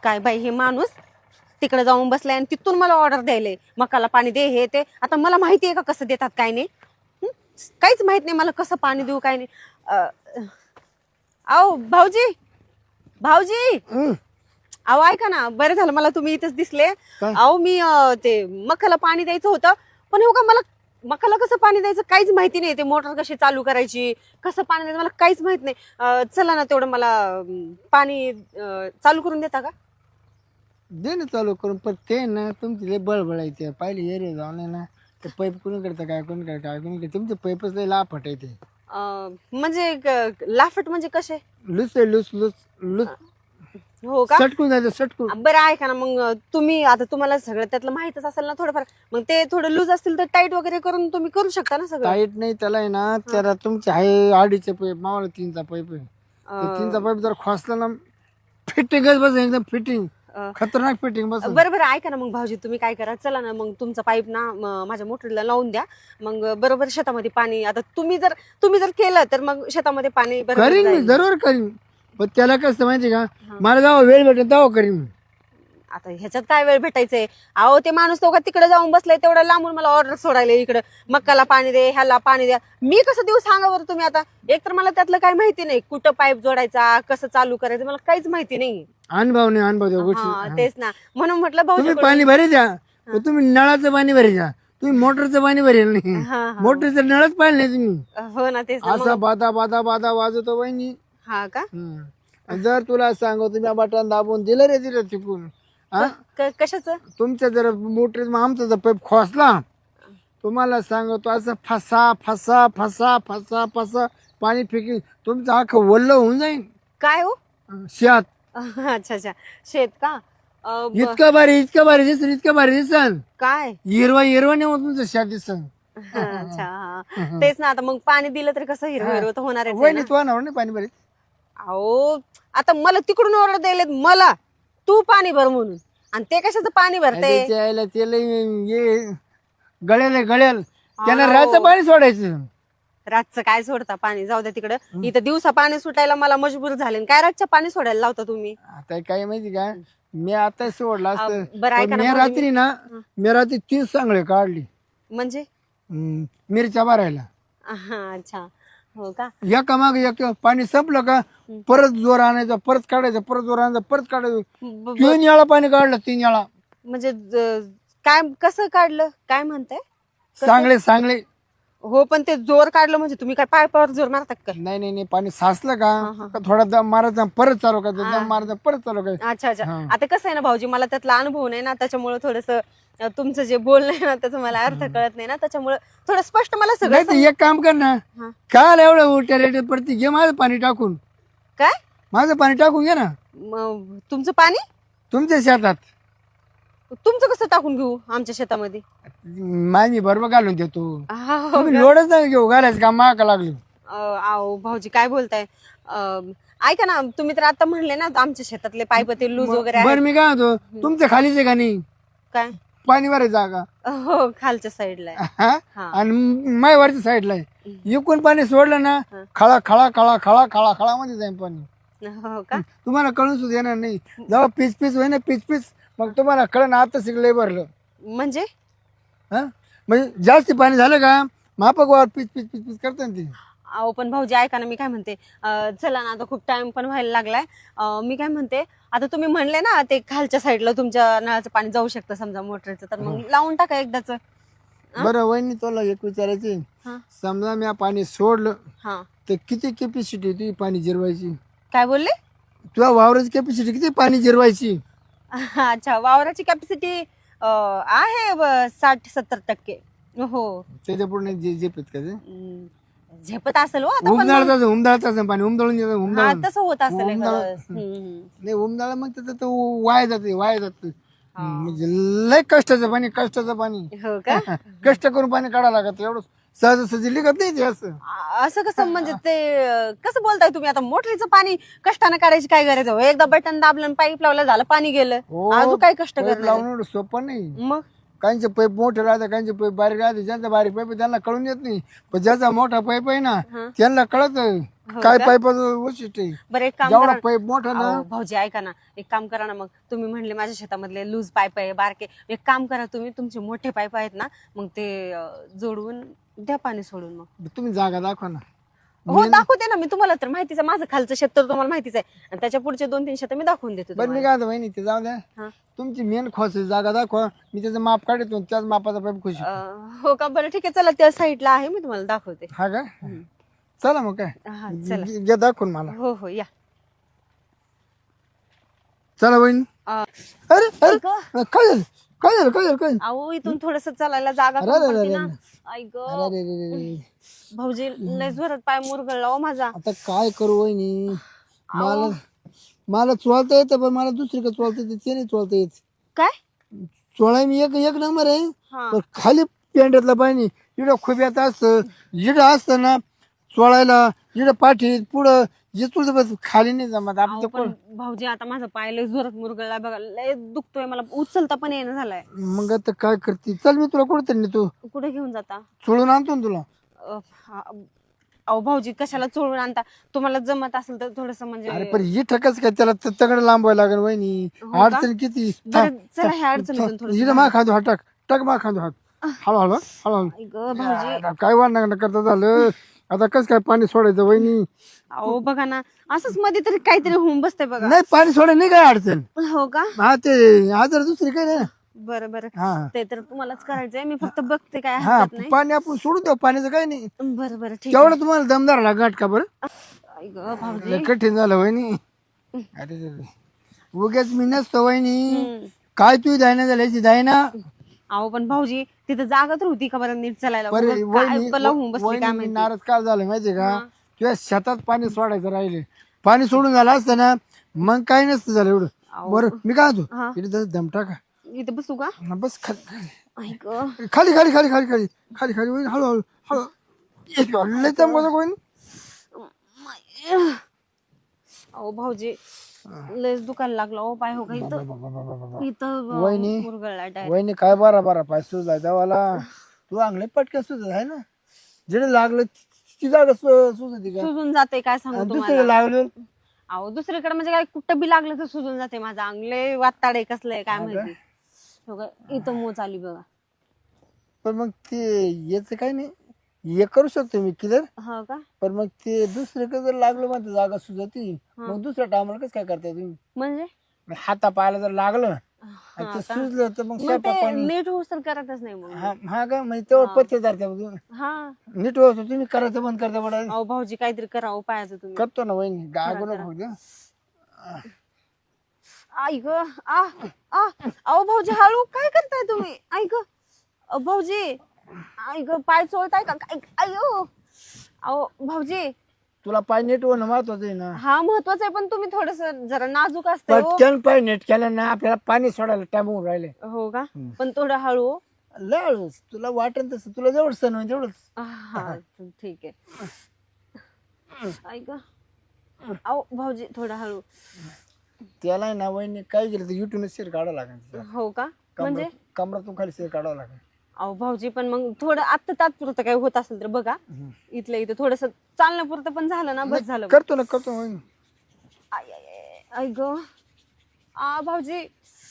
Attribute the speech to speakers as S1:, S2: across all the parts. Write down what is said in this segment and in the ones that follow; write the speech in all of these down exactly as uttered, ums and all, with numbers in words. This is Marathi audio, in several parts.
S1: काय बाई हे माणूस तिकडे जाऊन बसलाय आणि तिथून मला ऑर्डर द्यायले मकाला पाणी दे हे ते. आता मला माहिती आहे का कसं देतात काय नाही. हं? काहीच माहित नाही मला कसं पाणी देऊ काय नाही. अं, अहो भाऊजी भाऊजी
S2: हं,
S1: अहो ऐका ना, बरं झालं मला तुम्ही इथेच दिसले.
S2: काय?
S1: अहो मी अं, ते मकाला पाणी द्यायचं होतं पण हो का मला मकाला कसं पाणी द्यायचं काहीच माहिती नाही. ते मोटर कशी चालू करायची कसं पाणी द्यायचं मला काहीच माहित नाही. अं, चला ना तेवढं मला अं, पाणी अं, चालू करून देता का?
S2: दे ना चालू करून. पण ते ना तुमची लय बळबळ आहे ते पाहिली एरिया जाऊन आहे ना ते पाईप कोणी करतं काय कोणी करतं काय कोणी करतं तुमचे पाईपच लय लाफट आहे ते.
S1: अं, म्हणजे क- लाफट म्हणजे कसे?
S2: लुस आहे लुस लुस लुस
S1: हो का?
S2: सटकून जायचं सटकून.
S1: बरं ऐका ना मग तुम्ही आता तुम्हाला सगळं त्यातलं माहितच असेल ना थोडंफार. मग ते थोडं लूज असतील तर टाईट वगैरे करून तुम्ही करू शकता ना सगळं.
S2: टाईट नाही त्याला आहे ना त्याला तुमचे आहे अडीचचे पाईप मावाला तीनचा पाईप आहे. ते तीनचा पाईप जर खोसला ना फिटिंगच बस एकदम फिटिंग
S1: अं,
S2: खतरनाक फिटिंग बस.
S1: बरं बरं ऐका ना मग भाऊजी तुम्ही काय करा चला ना मग तुमचा पाईप ना म- माझ्या मोटरीला लावून द्या. मग बरोबर शेतामध्ये पाणी आता तुम्ही जर तुम्ही जर केलं तर मग शेतामध्ये पाणी बरोबर
S2: करीन मी
S1: जाईल.
S2: जरूर करीन पण त्याला कसं माहिती का मला जेव्हा वेळ भेटेल तेव्हा करीन मी.
S1: आता ह्याच्यात काय वेळ भेटायचंय? अहो ते माणूस तो का तिकडे जाऊन बसलाय तेवढं लांबून मला ऑर्डर सोडायला इकडं मक्काला पाणी दे ह्याला पाणी द्या. मी कसं देऊ सांगा बरं तुम्ही आता. एक तर मला त्यातलं काही माहिती नाही कुठं पाईप जोडायचा कसं चालू करायचं मला काहीच माहिती नाही.
S2: अनुभव नाही अनुभव त्या
S1: हा
S2: गोष्टी.
S1: तेच ना म्हणून म्हटलं भाऊजी
S2: तुम्ही पाणी भरी द्या पण तुम्ही नळाचं पाणी भरी द्या. तुम्ही मोटरचं पाणी भरेल नाही.
S1: हा हा
S2: मोटरचं नळच पाहिलं नाही तुम्ही.
S1: हो ना तेच ना
S2: असा बादा बादा बादा वाजवतो वहिनी.
S1: हा का
S2: हम्म. आणि जर तुला सांगू तुम्ही बटन दाबून दिलं रे दिलं तिकून हा
S1: क- कशाचं?
S2: तुमच्या जर मोटर आमचा जर पाईप खोसला तुम्हाला सांगतो असं फसा फसा फसा फसा फसा पाणी फेकी तुमचं अख्खं वल्ल होऊन जाईल
S1: काय हो?
S2: शेत.
S1: अच्छा अच्छा शेत का? अं, ब-
S2: इतकं भारी इतकं भारी दिसन इतकं भारी दिसन
S1: काय?
S2: हिरवा हिरवा नाही होत तुमचं शेत दिसन.
S1: अच्छा हा तेच ना आता मग पाणी दिलं तर कसं हिरवं हिरवं तर होणारच आहे ना.
S2: वहिनी तू नाही पाणी भरीत.
S1: अहो आता मला तिकडून ऑर्डर द्यायला मला तू पाणी भर म्हणून आणि ते कशाचं पाणी भरते?
S2: त्याच्या आईला ते लय ये गळ्याल आहे, गळ्याल त्याला राहायचं पाणी सोडायचं.
S1: रातचं काय सोडता पाणी जाऊ द्या तिकडं. इथं दिवसा पाणी सुटायला मला मजबूर झाले आणि काय रातचं पाणी सोडायला लावता तुम्ही?
S2: आता काय माहिती का मी आता सोडला असतं
S1: बरं ऐका
S2: पण
S1: ना
S2: मी रात्री ना मी रात्री तीन चांगले काढली
S1: म्हणजे
S2: हम्म, मिरच्या भरायला.
S1: हा अच्छा हो का?
S2: एका माग एक पाणी संपलं का परत जोर आणायचा परत काढायचं परत जोर आणायचा परत काढायचं.
S1: ब-
S2: तीन वेळा पाणी काढलं तीन वेळा.
S1: म्हणजे ज- काय कसं काढलं काय म्हणताय?
S2: चांगले चांगले.
S1: हो पण ते जोर काढलं म्हणजे तुम्ही काय पायपावर जोर मारतात का?
S2: नाही नाही नाही पाणी साचलं का का थोडा दम मारायचा परत चालू करायचं दम मारायचा परत चालू करायचं.
S1: अच्छा अच्छा
S2: हा.
S1: आता कसं आहे ना भाऊजी मला त्यातला अनुभव नाही ना त्याच्यामुळे थोडस तुमचं जे बोलणं आहे ना त्याचं मला अर्थ कळत नाही ना त्याच्यामुळे थोडं स्पष्ट मला सगळं
S2: नाही तर एक काम कर ना
S1: हा.
S2: काल एवढं उलट्या रेट पडती घे माझं पाणी टाकून
S1: काय
S2: माझं पाणी टाकून घे ना
S1: म- तुमचं पाणी
S2: तुमच्या शेतात.
S1: तुमचं कसं टाकून घेऊ आमच्या शेतामध्ये?
S2: माझी बरोबर घालून देतो.
S1: हा, हो
S2: तुम्ही
S1: का?
S2: लोडच नाही घेऊ घालायचं का माका लागलो.
S1: अं, आहो भाऊजी काय बोलताय? अं, ऐका ना तुम्ही तर आता म्हणले ना आमच्या शेतातले पाईप ते लूज वगैरे आहेत.
S2: बरं मी काय म्हणतो तुमच्या खालीच आहे का नाही
S1: काय?
S2: पाणी भरायचं जागा
S1: हो खालच्या साईडला आहे.
S2: हा
S1: हा.
S2: आणि माय वरच्या साईडला आहे. इकून पाणी सोडलं ना खळा खळा खळा खळा खळा खळा मध्ये जाईल पाणी.
S1: हो का?
S2: तुम्हाला कळून सुद्धा येणार नाही जेव्हा पीच पीच होईल ना पीच पीच मग तुम्हाला कळण आता शिकलंय भरलं.
S1: म्हणजे
S2: हा म्हणजे जास्त पाणी झालं का मापक वर पीच पीच पीच पीच करता ना ते.
S1: अहो पण भाऊजी ऐका ना मी काय म्हणते अं, चला ना आता खूप टाइम पण व्हायला लागलाय. अं, मी काय म्हणते आता तुम्ही म्हणले ना ते खालच्या साईडला तुमच्या नळाचं पाणी जाऊ शकतं समजा मोटरचं तर मग लावून टाका एकदाच.
S2: बरं वहिनी तुला एक विचारायचे
S1: हा.
S2: समजा मी पाणी सोडलं
S1: हा
S2: तर किती कॅपॅसिटी तुझी पाणी जिरवायची?
S1: काय बोलले?
S2: तुझ्या वावराची कॅपॅसिटी किती पाणी जिरवायची?
S1: अच्छा वावराची कॅपॅसिटी आहे ब- साठ सत्तर टक्के. हो
S2: त्याच्या पुढे जे झेपत का ते
S1: हम्म, झेपत असेल हो आता पण मग-
S2: उमदाळताच उमदाळताच पाणी उमदळून देतं
S1: हा
S2: उमदाळून.
S1: तसं होत असेल
S2: उमदाळ-
S1: एखादं. हम्म, हम्म.
S2: नाही उमदाळ मग त्याचं तो वाया जाते वाया जात म्हणजे लय कष्टाचं पाणी कष्टाचं पाणी.
S1: हो का?
S2: कष्ट करून पाणी काढावं लागत एवढं सहज सहज लिखत नाही ते असं.
S1: आ- असं कसं म्हणजे ते अं, कसं बोलताय तुम्ही आता मोटरीचं पाणी कष्टाने काढायची काय गरज आहे? एकदा बटन दाबलं पाईप लावलं झालं पाणी गेलं.
S2: हो,
S1: अजून काय कष्ट
S2: पाईप
S1: करणार
S2: लावून एवढं सोपं नाही.
S1: आहे? मग
S2: काहींचे पाईप मोठे राहते काहींचे पाईप बारीक राहते ज्यांचा बारीक पाईप आहे त्यांना कळून येत नाही पण ज्याचा मोठा पाईप आहे ना
S1: हा.
S2: त्यांना कळत
S1: हो
S2: काय
S1: का?
S2: पाईपाचं वैशिष्ट्य आहे
S1: बरं एक काम
S2: जेवढा
S1: करा
S2: पाईप मोठा ना
S1: अहो, भाऊजी ऐका ना एक काम करा ना मग तुम्ही म्हणले माझ्या शेतामधले लूज पाईप आहे बारके एक काम करा तुम्ही तुमचे मोठे पाईप आहेत ना मग ते अं, जोडवून द्या पाणी सोडून मग
S2: तुम्ही जागा दाखवा ना
S1: हो दाखवते ना मी तुम्हाला तर माहितीच आहे माझं खालचं शेत तर तुम्हाला माहितीच आहे आणि त्याच्या पुढचे दोन तीन शेत मी दाखवून देते
S2: बरं मी
S1: तुम्हाला.
S2: काय म्हणतो वहिनी ते जाऊ द्या
S1: हा.
S2: तुमची मेन खोस जागा दाखवा मी त्याचं माप काढतो त्याच मापाचा पाईप खुशी
S1: अं, हो का बरं ठीक आहे चला त्या साईडला आहे मी तुम्हाला दाखवते
S2: हा का चला मग काय
S1: हा चला
S2: घे- घे दाखवून मला
S1: हो हो या
S2: चला वहिनी
S1: अं,
S2: अरे अरे
S1: ऐक,
S2: काय झालं काय झालं काय झालं काय झालं?
S1: अहो इथून थोडस चालायला जागा
S2: अरे,
S1: कमी
S2: अरे,
S1: पडते
S2: अरे,
S1: ना
S2: अरे.
S1: ऐक
S2: अरे अरे अरे अरे.
S1: भाऊजी लय जोरात पाय मुरगळला हो माझा
S2: आता काय करू वहिनी मला मला चोळता येतं पण मला दुसरी का चोळता येते ते नाही चोळता येत
S1: काय
S2: चोळाय मी एक एक नंबर आहे
S1: हा
S2: पण खाली पेंड्यातलं पाणी इकडं खुब्यात असतं इकडं असतं ना चोळायला इकडं पाठीत पुढं जे तुझं बस खाली नाही जमत
S1: अहो,
S2: आपण
S1: पण भाऊजी आता माझा पाय लय जोरात मुरगळला बघा लय दुखतोय मला उचलता पण येणं झालाय
S2: मग आता काय करते चल मी तुला कुठं तरी तू
S1: कुठे घेऊन जाता
S2: चोळून आणतो ना तुला
S1: अ, हा, अहो भाऊजी कशाला चोळून आणता तुम्हाला जमत असेल तर थोडस म्हणजे
S2: अरे पण ही ठकच काय त्याला त- तगड लांबवायला लागेल वहिनी
S1: हो का?
S2: अडचण किती
S1: बरं चला ह्या अडचणीतून थोडस
S2: इकडे मा खांदो हा टाक टाक मा खांदो हात हळू हळू हळू हळू
S1: ऐक भाऊजी
S2: आता काय वाढणार करता झालं आता कस काय पाणी सोडायचं वहिनी
S1: अहो बघा ना असंच मध्ये तरी काहीतरी होऊन बसतंय बघा
S2: नाही पाणी सोडायला नाही काय अडचण
S1: हो का
S2: हा ते आजार दुसरी काय नाही
S1: बरं बरं
S2: हा
S1: ते तर तुम्हालाच करायचंय मी फक्त बघते काय
S2: हा
S1: हरकत नाही
S2: पाणी आपण सोडून देऊ पाण्याचं काही नाही
S1: बरं बरं ठीक
S2: तेवढं तुम्हाला दमदार लागत का बरं
S1: आहे ऐक भाऊजी
S2: लय कठीण झालं वहिनी अरे रे रे. उगाच मी नसतो वहिनी
S1: हम्म.
S2: काय तू दायना झाल्याची दायना
S1: अहो पण भाऊजी तिथं जागा तर होती का बरं नीट चालायला
S2: बरं
S1: उगाच काय
S2: वहिनी
S1: बला होऊन बसली काय
S2: वहिनी, मी
S1: माहिती
S2: नाराज काय झालं माहितीये का
S1: हा.
S2: तुझ्या शेतात पाणी सोडायचं राहिले पाणी सोडून झालं असतं ना मग काही नसतं झालं एवढं
S1: अहो.
S2: बरं मी काय होतो
S1: हा.
S2: इथे जरा दम टाका
S1: इथं बसू का
S2: हा, बस खाली
S1: ऐक
S2: खाली खाली खाली खाली खाली खाली खाली वहिनी हळू हळू हळू एक लय चमकतो वहिनी
S1: अहो भाऊजी लयच दुखायला लागला हो पाय हो का इथं इथं
S2: वहिनी.
S1: मुरगळला डायरेक्ट
S2: वहिनी काय बारा बारा पाय सुजलाय देवाला तू अंगले पटक्या सुजत आहे ना जिथे लागलं ती जागा सु- सुजती का
S1: सुजून जाते काय सांगू
S2: आणि
S1: तुम्हाला
S2: दुसरीकडे लागलं
S1: अहो दुसरीकडे म्हणजे काय कुठं बी लागलं तर सुजून जाते माझं अंगले वाताडे कसलंय काय माहिती हो का? इथं मोच आली बघा
S2: पण मग ते याच काही नाही हे करू शकतो मी क्लिअर
S1: हो का
S2: पण मग ते दुसरीकडे जर लागलं म्हणते जागा सुजती मग दुसऱ्या टायमाला कसं काय करताय तुम्ही
S1: म्हणजे
S2: मग हाता पायाला जर लागलं आणि
S1: हा
S2: ते
S1: का?
S2: सुजलं तर मग
S1: मग
S2: स्वयंपाक
S1: ते
S2: पाणी
S1: नीट होऊस तर करतच नाही मग
S2: हा हा का म्हणजे तेवढं पत्तेदार त्या तुम्ही
S1: हा
S2: नीट होतो तुम्ही करायचं बंद करता बडा
S1: अहो भाऊजी काहीतरी करावं पायाचं तुम्ही
S2: करतो ना वहिनी गागो नको फक्त
S1: ऐक आ आ अहो भाऊजी हळू काय करताय तुम्ही ऐक अ, भाऊजी ऐक पाय चोळताय का काय अयो अहो भाऊजी
S2: तुला पाय नीट होणं महत्वाचं आहे ना
S1: हा महत्वाचं आहे पण तुम्ही थोडस जरा नाजूक असते हो.
S2: पटकन पाय नीट केलं ना आपल्याला पाणी सोडायला टाइम होऊन राहिले
S1: हो का पण थोडं हळू
S2: लळूच तुला वाटेल तसं तुला जेवढं सण होईल तेवढंच
S1: हा ठीक आहे ऐक अहो भाऊजी थोडं हळू
S2: त्याला आहे ना वहिनी काय केलं तर युट्यूब शेअर काढावं लागेल
S1: हो का म्हणजे
S2: कमरातून खाली शेअर काढावं लागेल
S1: अहो भाऊजी पण मग थोडं आत्ता तात्पुरतं काही होत असेल तर बघा इथलं इथं थोडस चालण्यापुरतं पण झालं ना बस झालं
S2: करतो ना करतो वहिनी
S1: आय, आय, आय, ऐक आ भाऊजी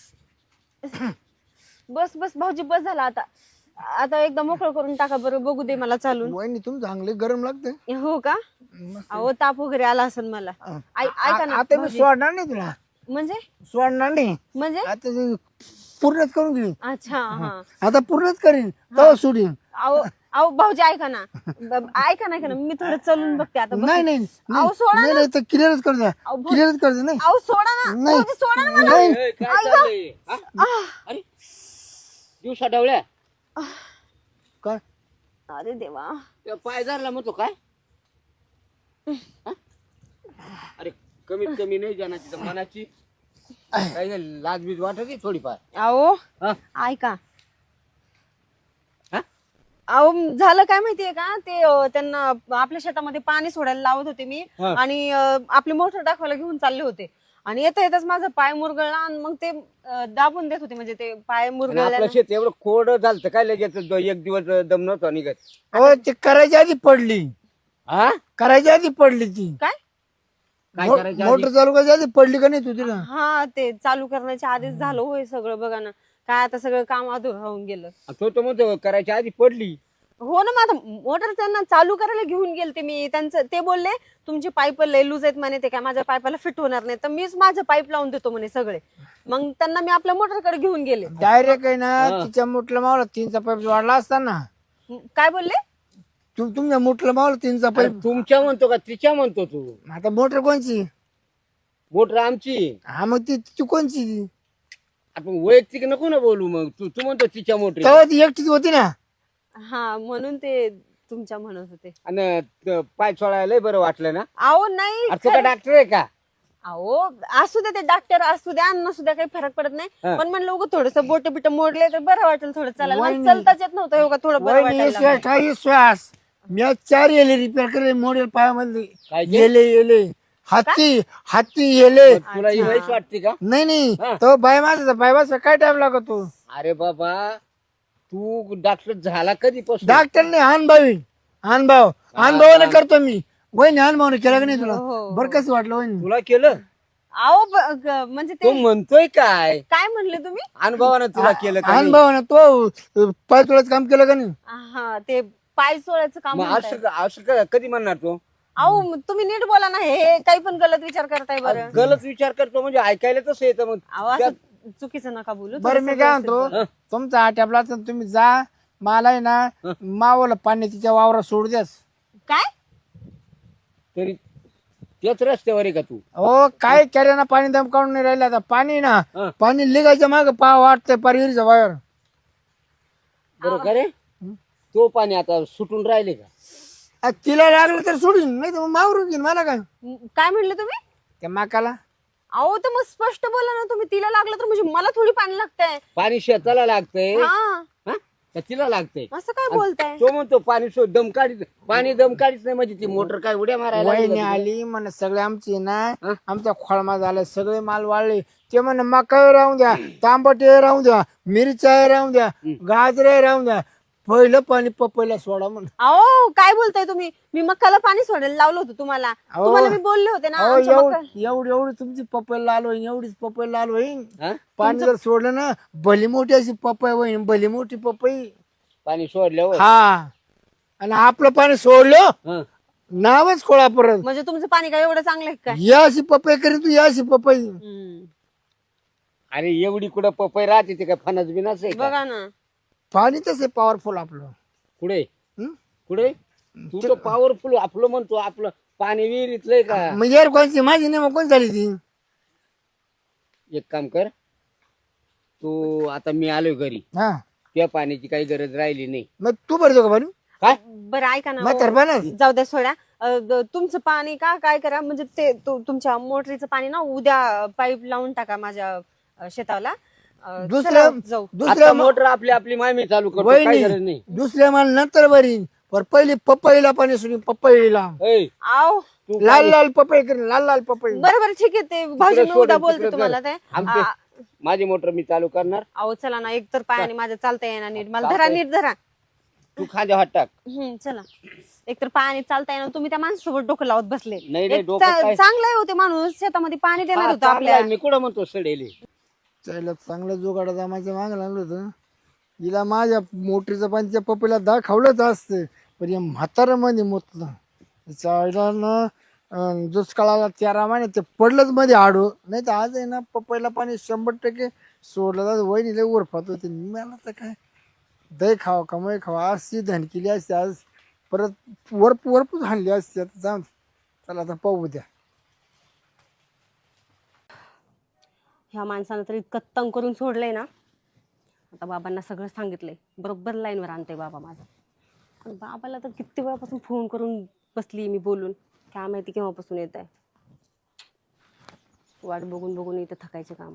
S1: बस बस भाऊजी बस झाला आता आता एकदा मोकळं करून टाका बरं बघू दे मला चालून
S2: वहिनी तुम चांगले गरम लागते
S1: हो का अहो ताप वगैरे आला असेल मला ऐ- ऐका ना
S2: आता मी
S1: भाऊजी.
S2: सोडणार नाही तुला
S1: म्हणजे
S2: सोडणार नाही
S1: म्हणजे
S2: आता ते पूर्णच करून घेईन
S1: अच्छा हा
S2: आता पूर्णच करीन तेव्हा सोडीन
S1: अहो अहो भाऊजी ऐका ना ब- ऐका ना ऐका ना मी थोडं चलून बघते आता बस.
S2: नाही नाही
S1: अहो सोडा
S2: नाही नाही तर क्लिअरच कर द्या
S1: अहो, भाऊ-
S2: क्लिअरच कर द्या नाही
S1: अहो सोडा ना
S2: नाही.
S1: भाऊजी सोडा ना मला
S2: नाही
S3: ए, काय चाललंय हा? अरे दिवसा डवळ्या
S2: काय
S1: अरे देवा
S3: त्या पाय धरला म्हणतो काय हा? अरे कमीत कमी नाही जाण्याची तर मनाची काय झालं, लाज बीज वाटत थोडीफार
S1: अहो
S3: हा?
S1: ऐका
S3: हा?
S1: अहो झालं काय माहितीये का ते अं, त्यांना आपल्या शेतामध्ये पाणी सोडायला लावत होते मी
S3: हा.
S1: आणि अं, आपली मोटर दाखवायला घेऊन चालले होते आणि येता येताच माझा पाय मुरगळला आणि मग ते अं, दाबून देत होते म्हणजे ते पाय
S3: आणि
S1: मुरगळल्या
S3: आपलं शेत एवढं कोरडं झालं काय लगेच द- एक दिवस दम नव्हता निघत
S2: हो ते करायच्या आधी पडली
S3: हा
S2: करायच्या आधी पडली ती
S1: काय
S3: काय
S2: मो-
S3: करायचं
S2: मोटर चालू करायच्या आधी पडली का नाही तू तिला
S1: हा ते चालू करण्याच्या आधीच झालं होय सगळं. बघा ना काय आता सगळं काम अधुरं राहून गेलं.
S3: तो तो म्हणतो करायच्या आधी पडली.
S1: हो ना, मग आता मोटर त्यांना चालू करायला घेऊन गेलते मी. त्यांचं ते बोलले तुमचे पाईप लय लूज आहेत म्हणे, ते काय माझ्या पाईपाला फिट होणार नाही, तर मीच माझं पाईप लावून देतो म्हणे सगळे. मग त्यांना मी आपल्या मोटरकडे घेऊन गेले.
S2: डायरेक्ट आहे ना तिच्या मुठला मावला तीनचा पाईप वाढला असता ना.
S1: काय बोलले?
S2: तू तुमच्या मुठला मावला तीनचा
S3: अरे
S2: पाईप.
S3: तुमच्या म्हणतो का तिच्या म्हणतो तू?
S2: आता मोटर कोणची?
S3: मोटर आमची.
S2: हा मग ती ती कोणची ती?
S3: आपण वैयक्तिक नको ना बोलू. मग तू तू म्हणतो तिच्या मोटर
S2: तेव्हा ती एकटीच होती ना.
S1: हा म्हणून ते तुमच्या म्हणत होते.
S3: आणि त- पाय सोडायला लय बरं वाटलं ना.
S1: अहो नाही,
S3: अरे तू का डॉक्टर आहे का?
S1: अहो असू द्या, ते डॉक्टर असू द्या नसू द्या काही फरक पडत नाही.
S3: हा.
S1: पण म्हणलं उगं थोडस बोट बिट मोडले तर बरं वाटेल थोडं चालायला. मला
S2: वहिनी.
S1: चालताच येत नव्हतं उगा थोडं बरं
S2: वहिनी
S1: वाटायला.
S2: श्वास काही श्वास मी आज चार येले रिपेअर केले मॉडेल पायामध्ये.
S3: काय ते?
S2: येले येले हत्ती हत्ती येले.
S3: तुला ही वयस वाटते का?
S2: नाही नाही
S3: हा.
S2: तो बाय माझा बाय माझा काय टाइम लागतो.
S3: अरे बाबा तू डॉक्टर झाला कधीपासून?
S2: डॉक्टर नाही अनुभवी अनुभव अनुभवाने करतो मी. वहिनी अनुभवाने केला का नाही तुला?
S1: हो.
S2: बरं कसं वाटलं वहिनी?
S3: तुला केलं?
S1: अहो ब- ग- म्हणजे
S3: तू
S1: ते
S3: म्हणतोय काय?
S1: काय म्हणले तुम्ही?
S3: अनुभवानं तुला केलं का नाही?
S2: अनुभवाने तो पाय तुळाच काम केलं का नाही?
S1: हा ते पाय चोळायचं काम
S3: मग
S1: म्हणताय.
S3: असं असं क- कधी म्हणणार तू?
S1: अहो म- तुम्ही नीट बोला ना, हे काही पण गलत विचार करताय बरं.
S3: गलत विचार करतो म्हणजे ऐकायला तसं येतं. मग
S1: अहो असं चुकीचं नका बोलू.
S2: बरं मी काय म्हणतो
S3: हं.
S2: तुमचा आट्यापला तर तुम्ही जा. मला आहे ना मावाला पाणी तिच्या वावरात सोडू द्यास.
S1: काय
S3: तरी तेच रस्त्यावर आहे का तू?
S2: हो काय ना पाणी दम काढून नाही राहिलं आता. पाणी ना
S3: हं.
S2: पाणी लिगायच्या माग पा वाटतंय पारीच्या बाहेर.
S3: बरं का रे? तो पाणी आता सुटून राहिले का?
S2: आ, तिला लागलं तर सोडून नाही तर मग मावरून घेईन मला काय
S1: म- काय म्हणले तुम्ही?
S2: त्या माकाला.
S1: अहो तर मग स्पष्ट बोला ना तुम्ही. तिला लागलं तर म्हणजे मला थोडी पाणी लागतंय.
S3: पाणी शेताला लागतंय
S1: हा
S3: हा? का तिला लागतंय?
S1: असं काय बोलताय?
S3: तो म्हणतो पाणी सो दम काढीत पाणी दम काढीत नाही म्हणजे ती मोटर काय उड्या मारायला लागली
S2: वहिनी
S3: का तुला?
S2: आली म्हण सगळे आमचे ना
S3: हं?
S2: आमचा खोळमा झाला सगळे माल वाळले. ते म्हण मका राहून द्या तांबटे राहून द्या मिरच्या राहून द्या गाजरे राहून द्या पहिलं पाणी पपईला सोडा म्हण.
S1: अहो काय बोलताय तुम्ही? मी मक्काला पाणी सोडायला लावलं होतं तुम्हाला.
S2: अहो.
S1: तुम्हाला मी बोलले होते ना
S2: अहो,
S1: आमच्या
S2: एवढ-
S1: मका-
S2: एवढी एवढी तुमची पपईला आलो एवढीच पपईला आलो होईन.
S3: हा?
S2: पाणी जर सोडलं ना भली मोठी अशी पपई होईन भली मोठी पपई.
S3: पाणी सोडल्यावर
S2: हा आणि आपलं पाणी सोडलं
S3: हं.
S2: नावच खोळा परत.
S1: म्हणजे तुमचं पाणी काय एवढं चांगलं आहे काय?
S2: या अशी पपई करी तू या अशी पपई.
S1: हम्म.
S3: अरे एवढी कुठं पपई राहते ते काय फणस बिनाच आहे का?
S1: बघा ना.
S2: पाणी तसे पॉवरफुल आपलं.
S3: कुठे
S2: हं?
S3: कुठे तू तर पॉवरफुल आपलं म्हणतो. आपलं पाणी विहिरीतलंय का?
S2: मग यार कोणची माझी नाही मग कोण झाली ती?
S3: एक काम कर तू आता मी आलोय घरी.
S2: हा
S3: त्या पाण्याची काही गरज राहिली नाही.
S2: मग तू भरतो का पाणी?
S3: काय
S1: बरं ऐका ना.
S2: म्हातार बनस.
S1: अहो, जाऊ द्या सोड्या. अ, द- तुमचं पाणी का काय करा म्हणजे ते तु- तुमच्या मोटरीचं पाणी ना उद्या पाईप लावून टाका माझ्या अ, शेताला. अ,
S2: दुसऱ्या
S1: चला, जाऊ.
S2: दुसऱ्या
S3: आता मोटर आपली आपली मामी चालू करतो. काही गरज
S2: वहिनी
S3: नाही.
S2: दुसऱ्या माल नंतर भरीन पर पहिली पपईला पाणी सोडून पपईला
S3: ऐ,
S1: आव
S3: तू
S2: लाल लाल पपई करीन लाल लाल पपई.
S1: बरं बरं ठीक आहे. ते भाऊजी मी
S3: सोडून
S1: उद्या
S3: तिकडे
S1: बोलते
S3: कर.
S1: तुम्हाला ते.
S3: आमचे
S1: आ,
S3: माझी मोटर मी चालू करणार.
S1: अहो चला ना, एक तर पायाने माझ्या चालता येणार नीट. मला
S3: चालतंय.
S1: धरा नीट धरा.
S3: तू खांद्या हात टाक.
S1: हम्म चला. एक तर पायाने चालता येणार. तुम्ही त्या माणसासोबत डोकं लावत बसले.
S3: नाही, नाही,
S1: एक
S3: डोकं
S1: चा-
S3: काय?
S1: चांगला आहे होते माणूस. शेतामध्ये पाणी देणार
S3: हा,
S1: होतं
S3: चांगलं
S1: आपल्या.
S3: आहे. मी कुठं म्हणतो सडेले.
S2: त्याला चांगलं जोगाडा जमायचं मागं लागलं होतं. हिला माझ्या मोटरीचं पाणी त्या पपईला दाखवलंच असतं पण या म्हातारा मध्ये मोतलं. चायला ना अं, दुष्काळाला तेरा महिने ते पडलंच मध्ये आडू. नाही तर आज आहे ना पपईला पाणी शंभर टक्के सोडलं जात. वहिनी लय उरफात होते. मला तर काय दही खावा कमाई खावा अशी धन केली असते आज परत वरप वरपूच हाणली असते. आता जाऊन चला आता पाहू द्या.
S1: ह्या माणसानं तर इतकं तंग करून सोडलंय ना. आता बाबांना सगळं सांगितलंय. बरोबर लाईनवर आणते बाबा माझा. पण बाबाला तर किती वेळापासून फोन करून बसली मी बोलून. काय माहिती केव्हापासून येत आहे. वाट बघून बघून इथं थकायचे काम.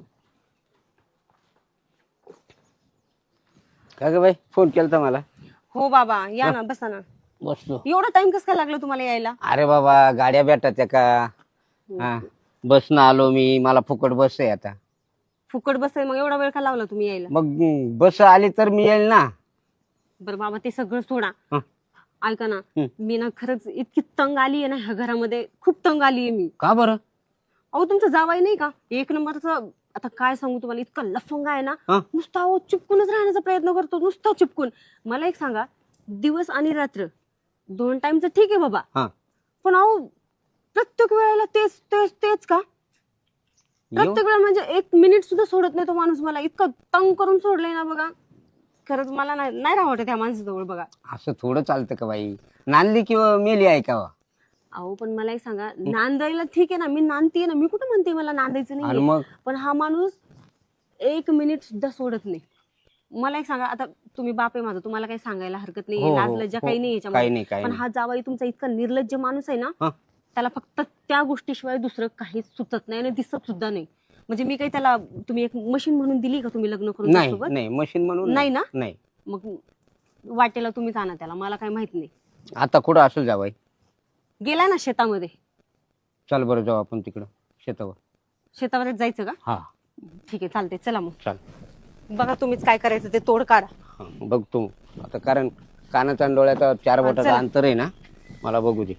S3: का ग बाई फोन केलता मला?
S1: हो बाबा या ना, बसा ना.
S3: बसलो.
S1: एवढा टाइम कसं काय लागला तुम्हाला यायला?
S3: अरे बाबा गाड्या भेटतात का? हा बसनं आलो मी. मला फुकट बस आहे आता.
S1: फुकट बस मग एवढा वेळ का लावला तुम्ही यायला?
S3: मग बस आली तर मी येईल ना.
S1: बरं बाबा ते सगळं सोडा.
S3: हं.
S1: ऐका ना,
S3: हं.
S1: मी ना खरंच इतकी तंग आली आहे ना ह्या घरामध्ये, खूप तंग आली आहे मी.
S3: का बरं?
S1: अहो तुमचा जावाई नाही का एक नंबरचा, आता काय सांगू तुम्हाला, इतका लफंगा आहे ना,
S3: हा?
S1: नुसता अहो चिपकूनच राहण्याचा प्रयत्न करतो, नुसता चिपकून. मला एक सांगा, दिवस आणि रात्र दोन टाइमचं ठीक आहे बाबा,
S3: हा.
S1: पण अहो प्रत्येक वेळेला तेच तेच तेच का?
S3: येऊ?
S1: प्रत्येक वेळा म्हणजे एक मिनिट सुद्धा सोडत नाही तो माणूस. मला इतकं तंग करून सोडलंय ना बघा, खरंच मला नाही नाही राहत त्या माणसाजवळ बघा.
S3: असं थोडं चालतं का बाई? नांदली किंवा मेली आहे का?
S1: अहो पण मला एक सांगा, नांदायला ठीक आहे ना, मी नांदतीये ना, मी कुठं म्हणते मला नांदायचं
S3: आणि
S1: नाही,
S3: मग
S1: पण हा माणूस एक मिनिट सुद्धा सोडत नाही. मला एक सांगा, आता तुम्ही बाप आहे माझा, तुम्हाला काही सांगायला हरकत
S3: हो,
S1: नाही,
S3: हो,
S1: लाजलज्जा
S3: हो.
S1: काही नाही
S3: काही
S1: याच्यामध्ये,
S3: नाही काही
S1: पण
S3: नाही.
S1: हा जावाई तुमचा इतका निर्लज्ज माणूस आहे ना,
S3: हा.
S1: त्याला फक्त त्या गोष्टीशिवाय दुसरं काहीच सुचत नाही आणि दिसत सुद्धा नाही. म्हणजे मी काही त्याला, तुम्ही एक मशीन म्हणून दिली का तुम्ही लग्न करून
S3: नाही
S1: त्याच्यासोबत?
S3: नाही मशीन म्हणून
S1: नाही ना?
S3: नाही.
S1: मग वाटेला तुम्हीच आणा त्याला, मला काही माहित नाही.
S3: आता कुठं असेल जावाई?
S1: गेलाय ना शेतामध्ये.
S3: चल बरं जाऊ आपण तिकडं शेतावर.
S1: शेतामध्ये जायचं का?
S3: हा
S1: ठीक आहे, चालते, चला मग.
S3: चाल.
S1: बघा तुम्हीच काय करायचं ते तोड काढा.
S3: हा, बघतो आता, कारण कानाचा आणि डोळ्याचा चार
S1: हा,
S3: बोटाचं
S1: चला.
S3: अंतर आहे ना, मला बघू दे.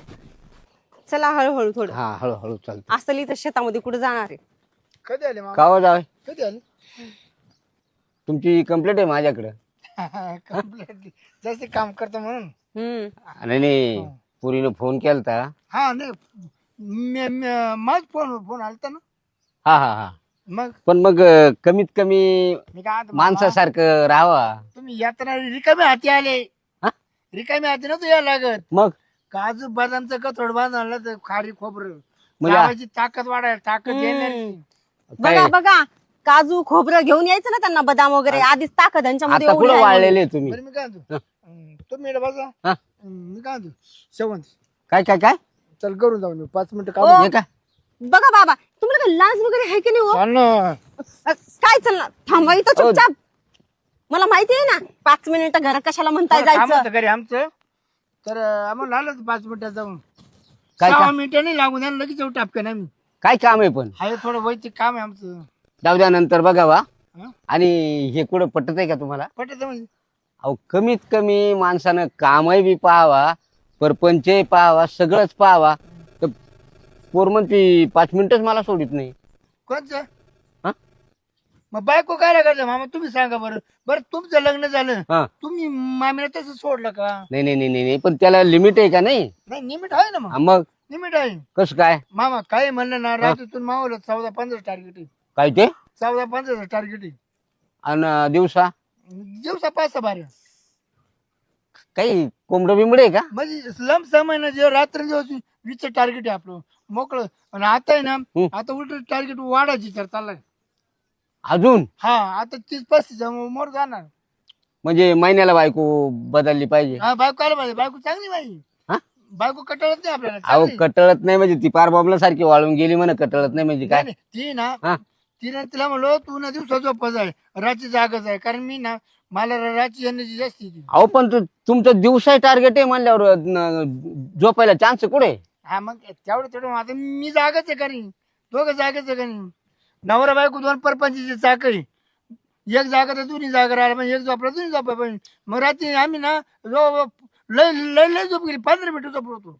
S1: चला हळूहळू थोडं.
S3: हा हळूहळू चालतं.
S1: असली तर शेतामध्ये कुठे जाणार आहे?
S2: कधी आले मामा?
S3: कावा जावे,
S2: कधी आले?
S3: तुमची कंप्लेंट आहे माझ्याकडे.
S2: कम्प्लीटली जास्त काम करतो म्हणून.
S1: हम्म.
S3: आणि नाही, पुरीनं फोन केलता.
S2: हा नाही, मी- मी- माझ फोन फोन आलता ना.
S3: हा हा हा.
S2: मग
S3: पण मग अं, कमीत कमी
S2: मी काय म्हणतो, मामा,
S3: माणसासारखं राहावा.
S2: तुम्ही यात्रा रिकामे हाती आले.
S3: हा?
S2: रिकामे हाती नव्हतं या लागत.
S3: मग
S2: काजू बदामचं कथोड बांधलं तर खारी खोबरं
S3: म्हणजे
S2: लावायची ताकद वाढायला, ताकद
S1: हम्म.
S2: येणार.
S1: बघा बघा, काजू खोबरं घेऊन यायचं ना त्यांना, बदाम वगैरे, आधीच ताकद यांच्यामध्ये
S3: आता
S1: एवढी
S3: कुठं
S1: आहे.
S3: वाळलेले तुम्ही?
S2: बरं मी काय म्हणतो,
S3: हा.
S2: हं, तुम्ही इकडे बसा.
S3: हा?
S2: हं, मी काय म्हणतो, शेवंत
S3: काय काय काय
S2: चल करून जाऊ पाच मिनिटं
S1: ओ.
S2: काम.
S3: हे काय?
S1: बघा बाबा, तुम्हाला काय लाज वगैरे आहे की नाही हो?
S2: चाल ना.
S1: अ, काय चालणार, थांबा इथं
S3: ओ.
S1: चुपचाप. मला माहिती आहे ना, पाच मिनिटं घरात कशाला म्हणताय
S2: थोडं काम
S1: जायचं.
S2: होतं घरी आमचं, तर अं, आम्हाला आलं पाच मिनिटात जाऊन.
S3: काय
S2: सहा
S3: काम?
S2: मिनिटं नाही लागून द्या, लगेच जाऊ टापकन आम्ही.
S3: काय काम आहे पण?
S2: हाय थोडं वैयक्तिक काम आहे आमचं.
S3: जाऊ द्या, नंतर बघावा.
S2: हं?
S3: आणि हे कुठं पटत आहे का तुम्हाला?
S2: पटत म्हणजे
S3: अहो कमीत कमी माणसानं कामही बी पाहावा, परपंचही पाहावा, सगळंच पाहावा. तर पोर म्हणती पाच मिनिटच मला सोडित नाही.
S2: कोणचं?
S3: हा?
S2: मग बायको काय करते मामा, तुम्ही सांगा बरं. बरं तुमचं लग्न झालं,
S3: हा.
S2: तुम्ही मामीला तसं सोडलं का?
S3: नाही नाही नाही नाही, पण त्याला लिमिट आहे का नाही?
S2: नाही निमिट आहे ना.
S3: हा,
S2: मग
S3: मग
S2: निमिट आहे
S3: कसं काय?
S2: मामा. काय म्हणलं ना, रात्रीतून मावलं चौदा पंधरा टार्गेट आहे.
S3: काय ते?
S2: चौदा पंधरा टार्गेट आहे.
S3: आणि दिवसा
S2: दिवसा पाच सहा बारा.
S3: काही कोंबड बिंबड आहे का?
S2: म्हणजे लंब समय जे रात्र दिवस वीस टार्गेट आहे आपलं मोकळं. आणि आता आहे ना,
S3: हं.
S2: आता उलट टार्गेट वाढायची तर चाललाय.
S3: अजून
S2: हा आता तीस पस्तीस मोर जाणार.
S3: म्हणजे महिन्याला बायको बदलली पाहिजे.
S2: हा बायको आला पाहिजे. बायको चांगली पाहिजे.
S3: हा?
S2: बायको कटाळत नाही आपल्याला,
S3: अहो
S2: चांगली.
S3: कटळत नाही म्हणजे ती पार बॉम्बला सारखी वाळून गेली म्हणा. कटळत नाही म्हणजे काय?
S2: नाही, नाही, ती ना,
S3: हा?
S2: तिने तिला म्हणलो तू ना दिवसा झोपच आहे, रात्री जागच आहे, कारण मी ना मला रात्री येण्याची जास्त येते.
S3: अहो पण तु- तुमचं दिवसा टार्गेट आहे म्हणल्यावर न- झोपायला चान्स कुठे?
S2: हा मग तेवढं तेवढं आता मी जागच आहे करी, दोघं जागच आहे करी. नवरा बायको दोन परपंचीची चाकरी, एक जागा तर दोन्ही जागा राहिला म्हणजे एक झोपला दोन्ही झोपा पाहिजे. मग रात्री आम्ही ना जो लय लय लय झोप गेली, पंधरा मिनिटं झोपलो.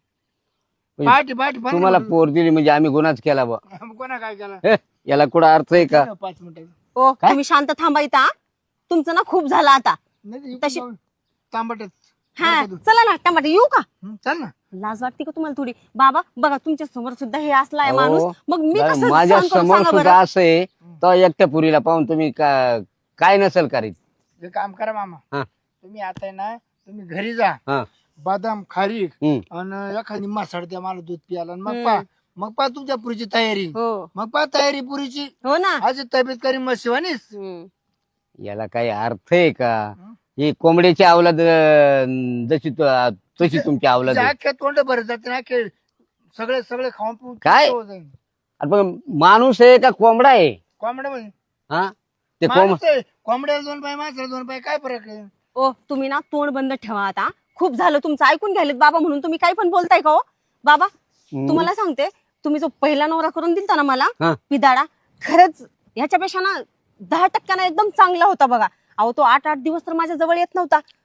S2: पहाटे पहाटे
S3: तुम्हाला पोर दिली म्हणजे आम्ही गुन्हाच केला बा.
S2: कोणा काय केला?
S3: हे, याला कुठं अर्थ आहे का?
S2: पाच मिनिटं
S1: ओ
S3: काय?
S1: तुम्ही शांत थांबा इथं, हा? तुमचं ना खूप झालं आता.
S2: नाही
S1: तशी-
S2: तांबटच.
S1: हा चला ना, टमाटे येऊ का?
S2: चल ना.
S1: लाज वाटते का तुम्हाला थोडी? बाबा बघा, तुमच्या समोर सुद्धा हे असला आहे माणूस,
S3: अहो,
S1: मग मी
S3: बरं,
S1: कसं
S3: माझ्या
S1: सहन करू
S3: समोर
S1: सांगा
S3: सुद्धा
S1: बरं?
S3: असं आहे, तर एकट्या पुरीला पाहून तुम्ही का- काय नसेल करीत?
S2: हे काम करा मामा,
S3: हा.
S2: तुम्ही आता आहे ना, तुम्ही घरी जा,
S3: हा.
S2: बदाम खारीक
S3: हम्म.
S2: आणि एखादी मासाड द्या मला दूध प्यायला, आणि मग
S1: हम्म.
S2: पा मग पा तुमच्या पुरीची तयारी.
S1: हो
S2: मग पा तयारी पुरीची.
S1: हो ना.
S2: आज तब्येत करी मग शिवानीस.
S1: हम्म.
S3: याला काही अर्थ आहे का?
S2: हं?
S3: ही कोंबड्याची अवलाद अं, जशी तु- तशी तुमची अवलाद आहे.
S2: अख्ख्या तोंड भरत जाते ना, के सगळे सगळे खाऊन पिऊन
S3: काय?
S2: पिऊन जाईन.
S3: अरे पण माणूस आहे का कोंबडा आहे?
S2: कोंबड्या म्हणजे
S3: हा ते कोंब
S2: माणूस आहे. कोंबड्याला दोन पाय, माणसाला दोन पाय, काय फरक आहे?
S1: ओ तुम्ही ना तोंड बंद ठेवा आता. खूप झालं तुमचं, ऐकून घ्यायलेत बाबा म्हणून तुम्ही काही पण बोलताय का हो? बाबा
S3: हम्म.
S1: तुम्हाला सांगते, तुम्ही जो पहिला नवरा करून दिलता ना मला
S3: हा.
S1: पिदाडा, खरंच ह्याच्यापेक्षा ना दहा टक्क्यानं एकदम चांगला होता बघा. अहो तो आठ आठ दिवस तर माझ्या जवळ येत नव्हता.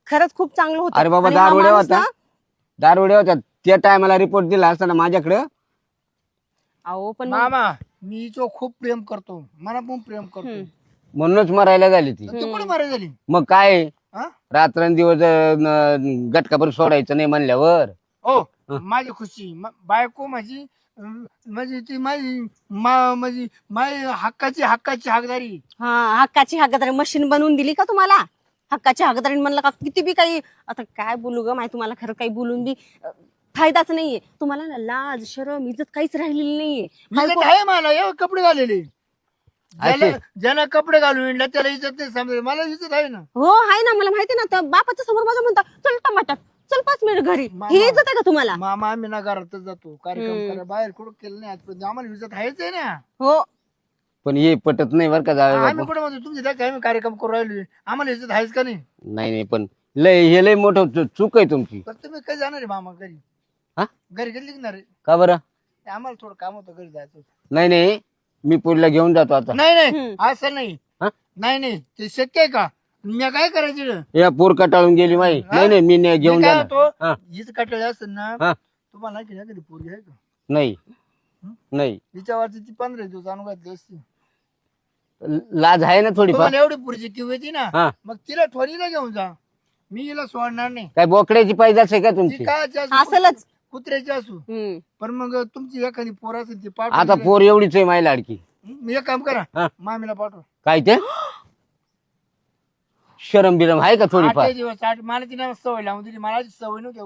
S1: खरंच खूप चांगलं होतं.
S3: अरे बाबा
S1: आणि हा
S3: दारुड्या
S1: माणूस
S3: होता
S1: ना-
S3: दारुड्या होता त्या टायमाला रिपोर्ट दिला असताना माझ्याकडं.
S1: अहो पण मग-
S2: मामा मी हिच्यावर खूप प्रेम करतो, मला पण प्रेम करतो.
S1: हम्म.
S3: म्हणूनच मरायला झाली ती.
S2: तू कुठे मारे झाली
S3: मग काय
S2: हा?
S3: रात्रंदिवस अं, गटकाभर सोडायचं नाही म्हणल्यावर.
S2: हो माझी खुशी म- बायको माझी अं, म्हणजे ती माझी मा- माझी माझी हक्काची हक्काची हकदारी.
S1: हा हक्काची हक्कादारी मशीन बनवून दिली का तुम्हाला? हक्काची हक्कादारी म्हणलं का किती बी काही आता काय बोलू ग माहिती तुम्हाला खरं काही बोलून बी अं, फायदाच नाहीये तुम्हाला ना. लाज शरम इज्जत काहीच राहिलेली नाहीये.
S2: इज्जत आहे मला, एवढे कपडे घालेले. ज्याला
S3: असे?
S2: ज्याला कपडे घालून येणार त्याला इज्जत नाही समजा, मला इज्जत आहे ना.
S1: हो आहे ना, मला माहिती ना. त्या बापाच्या समोर माझ्या म्हणता चल टमाटर चल पाच मिनिट घरी.
S2: मामा.
S1: ही इज्जत आहे का तुम्हाला?
S2: मामा आम्ही ना घरातच जातो कार्यक्रम
S1: हम्म.
S2: करायला, बाहेर कुठं केलं नाही आजपर्यंत. आम्हाला इज्जत आहेच आहे ना.
S1: हो
S3: पण हे पटत नाही बरं का जावे
S2: आम्ही
S3: बापू.
S2: कुठे म्हणतो तुमची त्या आम्ही कार्यक्रम करू राहिलो, आम्हाला इज्जत आहेच का नाही.
S3: नाही नाही पण लय हे लय मोठं चु- चूक आहे तुमची.
S2: तर तुम्ही कधी जाणार आहे मामा घरी?
S3: हा?
S2: घरी कधी निघणार आहे?
S3: का बरं?
S2: आम्हाला थोडं काम होतं, घरी जायचं होतं.
S3: नाही नाही मी पुढला घेऊन जातो आता.
S2: नाही नाही
S1: हम्म.
S2: असं नाही.
S3: हा?
S2: नाही नाही ते शक्य आहे का? मी काय करायचं?
S3: या पोर कटाळून गेली माई.
S2: हा?
S3: नाही नाही मी नाही घेऊन
S2: मी काय
S3: जाणार.
S2: होतो
S3: हा.
S2: हीच कटाळे असेल ना,
S3: हा.
S2: तुम्हाला की कधी पोरगी आहे का?
S3: नाही नाही
S2: हिच्यावरची ती पंधरा दिवस आणून घातली असती.
S3: लाज आहे ना थोडीफार.
S2: तुम्हाला एवढी पुढची किव येते ना,
S3: हा.
S2: मग तिला ठोरीला घेऊन जा, मी हिला सोडणार नाही.
S3: काय बोकड्याची पैदास आहे का
S2: ती
S3: तुमची?
S2: काय
S1: असलच.
S2: कुत्र्याची असू,
S1: हम्म.
S2: पण मग तुमची एखादी पोर असेल ती पाठ.
S3: आता पोर एवढीच आहे माई लाडकी.
S2: मी एक काम करा,
S3: हा.
S2: मामीला पाठवा.
S3: काय ते शरम बिरम आहे का थोडीफार?
S2: आठ दिवस आठ मला तिने सवय लावून दिली, मला अशी सवय नव्हती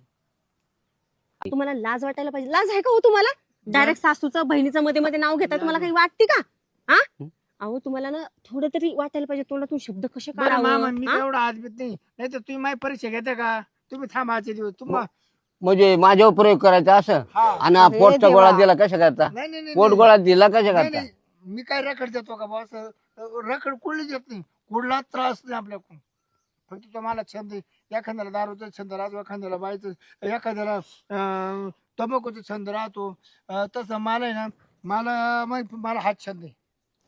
S2: उठीची.
S1: तुम्हाला लाज वाटायला पाहिजे. लाज आहे का हो तुम्हाला? डायरेक्ट सासूचं बहिणीचं मध्ये मध्ये नाव घेता तुम्हाला काही वाटते का? हा अहो तुम्हाला ना थोडं तरी वाटायला पाहिजे. तोंडातून शब्द कसे
S2: बरं मामा,
S1: काढावं?
S2: मी
S1: हा?
S2: काय एवढा आजबीत नाही, नाही तर तुम्ही माझी परीक्षा घेता का? तुम्ही थांबा आजचे दिवस तुम्हा.
S3: म्हणजे माझ्यावर प्रयोग करायचा असं?
S2: हा.
S3: आणि हा
S1: अरे
S3: पोटचा
S1: देवा.
S3: गोळा दिला कशा करता?
S2: नाही नाही नाही,
S3: पोट
S2: नाही
S3: गोळा दिला कशा
S2: नाही,
S3: करता?
S2: नाही. मी काय रखड देतो का बॉस? रखड कुठली देत नाही, कुठला त्रास नाही आपल्याकडून. फक्त तो मला छंद आहे. एखाद्याला दारूचा छंद राहतो, एखाद्याला बायचं, एखाद्याला अं, तंबाखूचा छंद राहतो. अं, तसं मला आहे ना, मला माहित- मला हाच छंद आहे.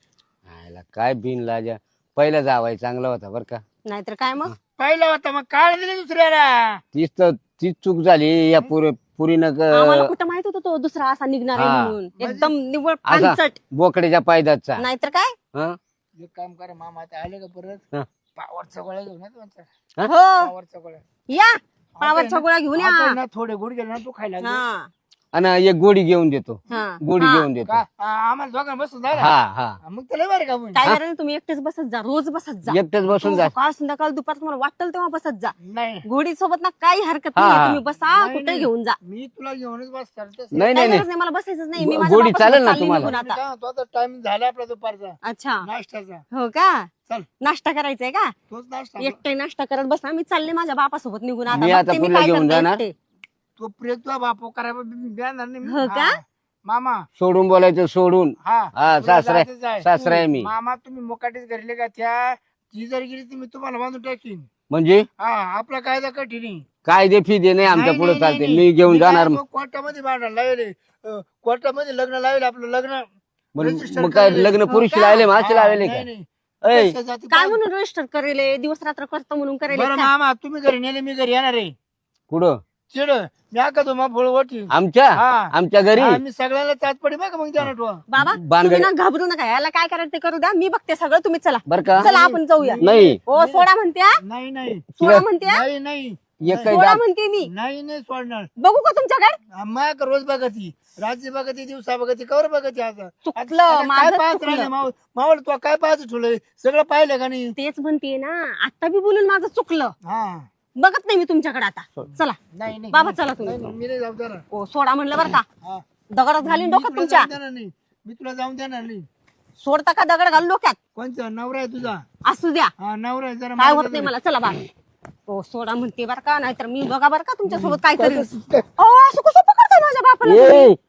S3: आयला काय बिन लाजा. पहिला जावाय चांगला होता बर का.
S1: नाहीतर काय मग?
S2: पहिला होता मग काय दिले दुसऱ्याला.
S3: तीच तर तीच चूक झाली या पुरी पुरीनं
S1: आम्हाला
S3: क-
S1: कुठं माहित होतं तो दुसरा असा निघणार आहे
S3: हा.
S1: म्हणून. एकदम निव्वळ
S3: असा
S1: पानसट.
S3: बोकड्याच्या पायदाचा.
S1: नाहीतर काय?
S3: हं?
S2: एक काम करा मामा, आता आले का परत
S3: हा.
S2: पावरचा गोळ्या घेऊन या तुमचा.
S3: हा?
S1: हो
S2: पावरचा गोळ्या
S1: या पावरच्या गोळ्या घेऊन
S2: आता
S1: या.
S2: ना थोडे गुड गेले ना तू खायला लागला.
S1: हा
S3: आणि एक गोडी घेऊन देतो.
S1: हा
S3: गोडी
S1: हा.
S3: घेऊन देतो.
S2: का आ- आम्हाला दोघांना बसून झाला.
S3: हा हा
S2: मग त्याला बरं का मग?
S1: काय करायचं तुम्ही एकटेच बसत जा. रोज बसत जा.
S3: एकटेच बसून जा.
S1: सकाळ संध्याकाळ दुपार तुम्हाला वाटेल तेव्हा बसत जा.
S2: नाही
S1: घोडी सोबत ना काही हरकत
S3: हा,
S1: नाही.
S3: हा.
S1: तुम्ही बसा
S2: नाही,
S1: कुठे
S2: नाही.
S1: घेऊन जा.
S2: मी तुला घेऊनच बसणार तसं.
S3: नाही
S1: काही
S3: नाही
S1: गरज नाही मला बसायचंच नाही. मी
S3: गो-
S1: माझ्या
S3: गोडी
S1: बापासोबत
S3: चालेल ना
S1: चालली
S3: तुम्हाला?
S1: निघून
S2: मी
S1: आता.
S2: काय म्हणतो, आता टाइम झाला आपला दुपारचा
S1: अच्छा
S2: नाश्त्याचा.
S1: हो का?
S2: चल
S1: नाश्ता करायचंय का?
S2: तोच नाश्ता.
S1: एकटे नाश्ता करत बसा. मी चालले माझ्या बापासोबत निघून आता.
S3: मी आता
S1: बघते मी
S3: पुढला
S1: काय
S3: घेऊन
S1: करते
S3: जाणार.
S1: एकटे.
S2: तो प्रिय तुझा बापो करायला देणार नाही मी.
S1: हो का?
S2: हा. मामा
S3: सोडून बोलायचं सोडून.
S2: हा
S3: हा
S2: तुला
S3: सासरा
S2: जायचंच आहे.
S3: सासरा आहे मी.
S2: मामा तुम्ही मोकाटीच घरले का त्या ती जर गेली ती मी तुम्हाला बांधून टाकीन.
S3: म्हणजे
S2: हा आपला कायदा कठीण आहे.
S3: काय दे फी दे नाही आमच्या
S2: नाही,
S3: पुढे
S2: नाही,
S3: चालते.
S2: नाही,
S3: मी
S2: नाही.
S3: घेऊन
S2: मी काय
S3: जाणार.
S2: म्हणतो, कोर्टामध्ये भांडायला लावले. अं, कोर्टामध्ये लग्न लावले आपलं लग्न.
S3: मग
S2: register
S3: मग काय
S2: केलेलं.
S3: लग्न
S2: हो
S3: पुरुष
S2: का?
S3: लावले मासे
S2: हा,
S3: लावले
S2: नाही,
S3: का?
S2: नाही.
S3: ऐ
S2: कशा जाती
S1: काय
S2: पाहून-
S1: म्हणून रजिस्टर करेले दिवस रात्र करतो म्हणून करेले
S2: बरं
S1: का?
S2: मामा तुम्ही घरी नेले मी घरी येणार आहे.
S3: कुठं?
S2: चिड मी आका तो फळ ओटी.
S3: आमच्या
S2: हा.
S3: आमच्या घरी
S2: हा, मी सगळ्याला चाच पडी बघा मग द्या ठेवा.
S1: बाबा
S3: बानगडी-
S1: तुम्ही ना घाबरू नका. याला काय करायचं ते करू द्या. मी बघते सगळं. तुम्ही चला
S3: बर का?
S1: चला आपण जाऊया.
S3: नाही
S1: हो सोडा म्हणत्या.
S2: नाही नाही
S1: सोडा म्हणत्या.
S2: नाही नाही
S3: एक काही
S1: सोडा
S3: दात-
S1: म्हणते मी.
S2: नाही नाही सोडणार.
S1: बघू का तुमच्याकडे?
S2: माया रोज बघती, रात्री बघती, दिवसा बघती, कवर बघती. आता
S1: चुकलं,
S2: आता काय
S1: माझं
S2: पाहत
S1: चुकलं.
S2: राहिले मावळ मावळ तू काय पाहत ठेवलंय सगळं पाहिलं का नाही?
S1: तेच म्हणते ना. आता बी बोलून माझं चुकलं.
S2: हा
S1: बघत नाही मी तुमच्याकडे आता. चला
S2: नाही नाही
S1: बाबा चला तुम्ही.
S2: नाही, मी नाही जाऊ देणार.
S1: हो सोडा म्हणलं बरं का?
S2: हा.
S1: दगडात घालीन
S2: मी
S1: डोक्यात
S2: तुला
S1: तुमच्या.
S2: जाऊन देणार नाही. मी तुला जाऊन देणार नाही.
S1: सोडता का दगड घालून डोक्यात?
S2: कोणचा नवरा आहे तुझा?
S1: असू द्या.
S2: हा नवरा आहे जरा
S1: काय
S2: मला
S1: होत नाही मला. चला बा. हो सोडा म्हणते बरं का. नाहीतर मी बघा बरं का तुमच्यासोबत काय करेल. अहो, असं कसं पकडताय माझ्या बापाला
S3: ए
S1: तुम्ही?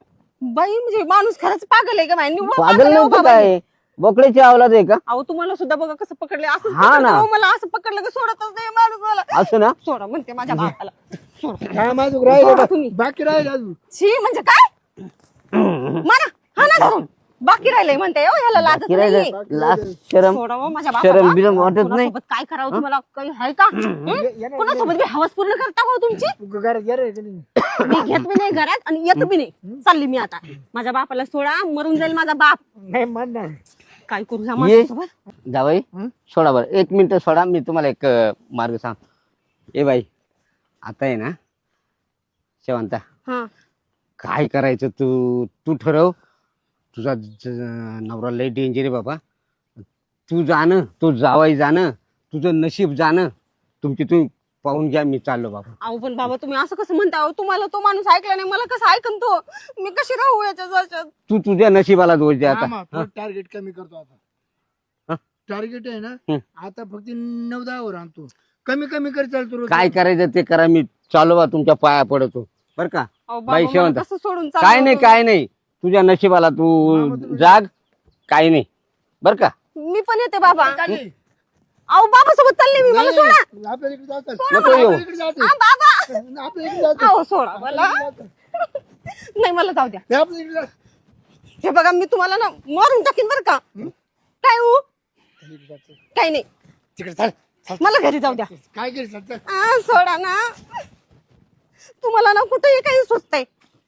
S1: बाई म्हणजे माणूस खरंच पागल आहे का बाई? निव्वळ
S3: पागल
S1: पागल आहे हो
S3: नव्हतं
S1: बाबा.
S3: काय बोकड्याची अवलाद आहे का?
S1: अहो तुम्हाला सुद्धा बघा कसं पकडले. असं
S3: हा ना.
S1: मला असं पकडलं की सोडतच नाही माणूस मला.
S3: असं ना.
S1: सोडा म्हणते माझ्या बापाला. सोडा.
S2: काय माझं राहिलं
S1: सोडा
S2: का?
S1: तुम्ही.
S2: बाकी राहिलं अजून.
S1: छी म्हणजे काय? मारा हा ना धरून. बाकी राहिलंय म्हणते हो, ह्याला लाजच
S3: बाकी राहिलंय.
S1: नाहीये.
S3: लाज शरम
S1: सोडा हो माझ्या
S3: शरम
S1: बापाला.
S3: बिरम वाटत नाही.
S1: कोणासोबत काय करावं तुम्हाला काही आहे का? हं? कोणासोबत बी हवस पूर्ण करता हो तुमची?
S2: घरात गेलं का नाही?
S1: मी घेत बी नाही घरात आणि येत बी नाही. चालली मी आता. माझ्या बापाला सोडा, मरून जाईल माझा बाप.
S2: नाही म्हणणार.
S1: काय करू ह्या
S3: ये
S1: माणसासोबत?
S3: जावई सोडा बरं एक मिनिट सोडा मी तुम्हाला एक अं, मार्ग सांग. ए बाई आता आहे ना शेवंता
S1: हा
S3: काय करायचं तू तू ठरव. तुझा ज- नवरा लय डेंजर आहे बाबा. तू जाणं तो जावाई जाणं तुझं नशीब जाणं तुमची तू पाहून घ्या. मी चाललो बाबा.
S1: अहो पण बाबा तुम्ही असं कसं म्हणता हो? तुम्हाला तो माणूस ऐकला नाही, मला कसं ऐकन तो? मी कशी राहू याच्या जवळ?
S3: तू तुझ्या नशिबाला दोष दे आता.
S2: टार्गेट कमी करतो आता.
S3: हा?
S2: टार्गेट आहे ना
S3: हं.
S2: आता फक्त नऊ दहा वर आणतो. कमी कमी कर चालतो रोज.
S3: काय करायचं ते करा. मी चालू बा तुमच्या पाया पडतो बर का.
S1: अहो
S3: बाई
S1: बाबा
S3: शेवंत.
S1: मला कसं सोडून
S3: काय
S1: चाललो
S3: नाही
S1: तुम्ही?
S3: काय नाही तुझ्या नशिबाला
S2: मामा,
S3: तू
S2: तुम्ही-
S3: जाग. काय नाही बर का.
S1: मी पण येते बाबा.
S2: चालले.
S1: अहो बाबा सोबत चालले मी, मला सोडा.
S2: नाही, आपल्या इकडे जातात.
S3: नको येऊ.
S2: आपल्या इकडे जातात.
S1: हा, बाबा
S2: आपल्या इकडे जातात.
S1: अहो सोडा मला.
S2: आपल्या इकडे जातात.
S1: नाही मला जाऊ द्या.
S2: हे आपल्या इकडे जातात.
S1: हे बघा मी तुम्हाला ना मारून टाकीन बरं का. काय हो?
S2: आपल्या इकडे जातात.
S1: काही नाही,
S2: तिकडे चाल चाल.
S1: मला घरी जाऊ द्या.
S2: काय केलं चालतं?
S1: आ, सोडा ना. तुम्हाला ना कुठेही काही सुचतंय.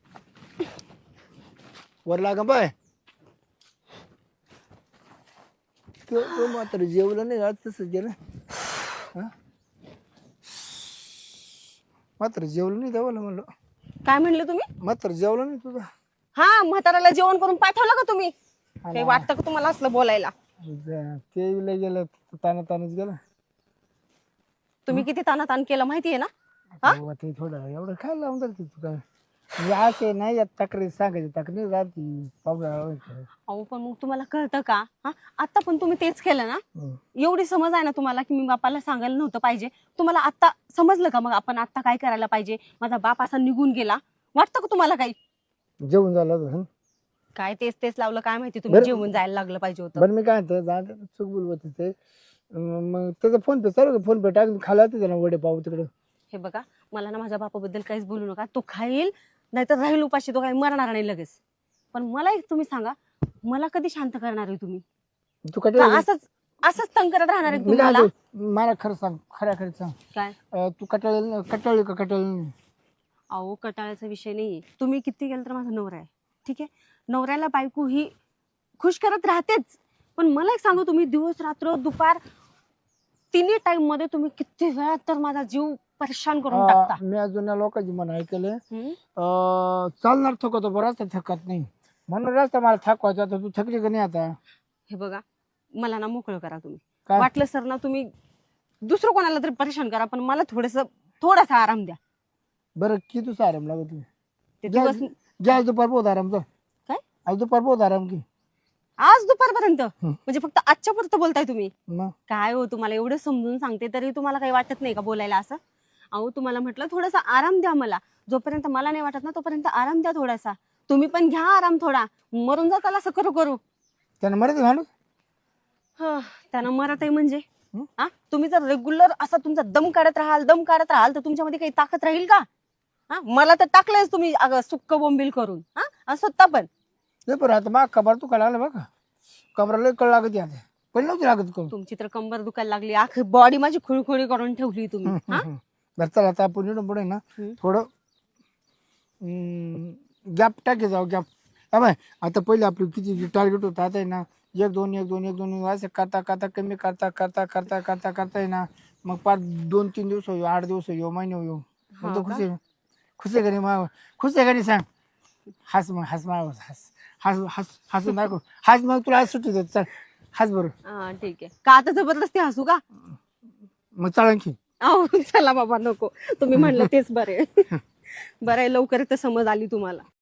S2: वर लागा बाय. तो तो मात्र जेवलं नाही आज तसं गेलं. हा? मात्र जेवलं नाही देवाला म्हणलं.
S1: काय म्हणले तुम्ही?
S2: मात्र जेवलं नाही तुझं.
S1: हा म्हाताऱ्याला जेवण करून पाठवलं का तुम्ही? काही वाटतं का तुम्हाला असलं बोलायला?
S2: ते लय गेलं ताना तानच गेलं.
S1: तुम्ही किती तानातान केलं माहितीये ना? हा?
S2: तेव्हा ते थोडं एवढं काय लावून जाते तू काय म्हणजे असे नाही या तक्रारी सांगायची तक्रारी राहती पाहुणा.
S1: अहो पण मग तुम्हाला कळतं का? हा आता पण तुम्ही तेच केलं ना. एवढी समज आहे ना तुम्हाला की मी बापाला सांगायला नव्हतं पाहिजे. तुम्हाला आता समजलं का मग आपण आता काय करायला पाहिजे? माझा बाप असा निघून गेला, वाटतं का तुम्हाला काही?
S2: जेवण झालं होतं.
S1: काय तेच तेच लावलं काय माहिती, तुम्ही
S2: बरं.
S1: जेवून जायला लागलं पाहिजे होतं.
S2: बरं मी काय म्हणतो जाऊ दे, चूक बोलवत ते अं, मग त्याचा फोन पे चालू फोन पे टाकून खाला होते त्याला वडे पाव तिकडं.
S1: हे बघा मला ना माझ्या बापाबद्दल काहीच बोलू नका. तो खाईल नाहीतर राहील उपाशी, तो काही मरणार नाही लगेच. पण मला एक तुम्ही सांगा, मला कधी शांत करणार आहे तुम्ही?
S2: तू
S1: का
S2: कटाळ
S1: असंच असंच तंग करत राहणार आहे
S2: मी काय
S1: तुम्हाला?
S2: म्हणतो, मला खरं सांग खऱ्या खरं सांग
S1: काय
S2: अं, तू कटाळ कटाळली का कटाळली?
S1: अहो कटाळ्याचा विषय नाहीये. तुम्ही किती गेलं तर माझा नवरा आहे, ठीक आहे. नवऱ्याला बायको ही खुश करत राहतेच. पण मला एक सांगू, तुम्ही दिवस रात्र दुपार तिन्ही टाइम मध्ये तुम्ही किती वेळा तर माझा जीव परेशान करून टाकता.
S2: अं, मी अजून या लोकांची मन ऐकलंय
S1: हम्म?
S2: अं, चालणार थकतो बरं रस्ता थकत नाही म्हणून रस्ता मला थकवायचा आता तू थकली का नाही आता?
S1: हे बघा मला ना मोकळं करा तुम्ही.
S2: काय?
S1: वाटलं सर ना तुम्ही दुसरं कोणाला तरी परेशान करा, पण मला थोडस थोडासा आराम द्या.
S2: बरं किती तुझा आराम लागत तुला?
S1: ते
S2: घ्या
S1: दिवस
S2: घ्या, आज दुपार बहुत आराम कर.
S1: काय
S2: आज दुपार बहुत आराम की
S1: आज दुपारपर्यंत म्हणजे फक्त आजच्या पुरतं बोलताय तुम्ही?
S2: मग
S1: काय हो, तुम्हाला एवढं समजून सांगते तरी तुम्हाला काही वाटत नाही का बोलायला असं? अहो तुम्हाला म्हटलं थोडासा आराम द्या मला. जोपर्यंत मला नाही वाटत ना तोपर्यंत आराम द्या थोडासा. तुम्ही पण घ्या आराम थोडा. मरून जाताल असं करू करू.
S2: त्यानं मराठी माणूस
S1: हा, त्यानं मरत आहे म्हणजे हा? तुम्ही जर रेग्युलर असा तुमचा दम काढत राहाल दम काढत राहाल तर तुमच्यामध्ये काही ताकद राहील का? हा, मला तर टाकलंयच तुम्ही अगं सुक्क बोंबील करून. हा, आणि स्वतः पण.
S2: ते बरं आता मग कबर तू लागला बघा कबराला कळ लागत आता पण नव्हती लागत करू.
S1: तुमची तर कंबर दुखायला लागली, आख बॉडी माझी खुळखुळी करून ठेवली तुम्ही. हा?
S2: बरं चला आता आपण इकडून पुढे ना
S1: हम्म.
S2: थोडं गॅप टाके जाऊ गॅप. हा बाय आता पहिले आपलं किती टार्गेट होतं आता आहे ना एक दोन एक दोन एक दोन असं करता करता कमी करता करता करता करता करता आहे ना मग पाच दोन तीन दिवस येऊ आठ दिवस येऊ महिने येऊ
S1: हा
S2: मग तो
S1: का?
S2: खुश आहे खुश आहे का नाही माव खुश आहे का नाही सांग. हस मग हस माव हस हस हस हसू नको हस मग तुला आज सुट्टी देत चल हस बरं.
S1: हा ठीक आहे. का आता जबरदस्ती हसू का?
S2: मग चल आणखी
S1: अहो चला बाबा नको, तुम्ही म्हणलं तेच बरे. बरं आहे लवकर तर समज आली तुम्हाला.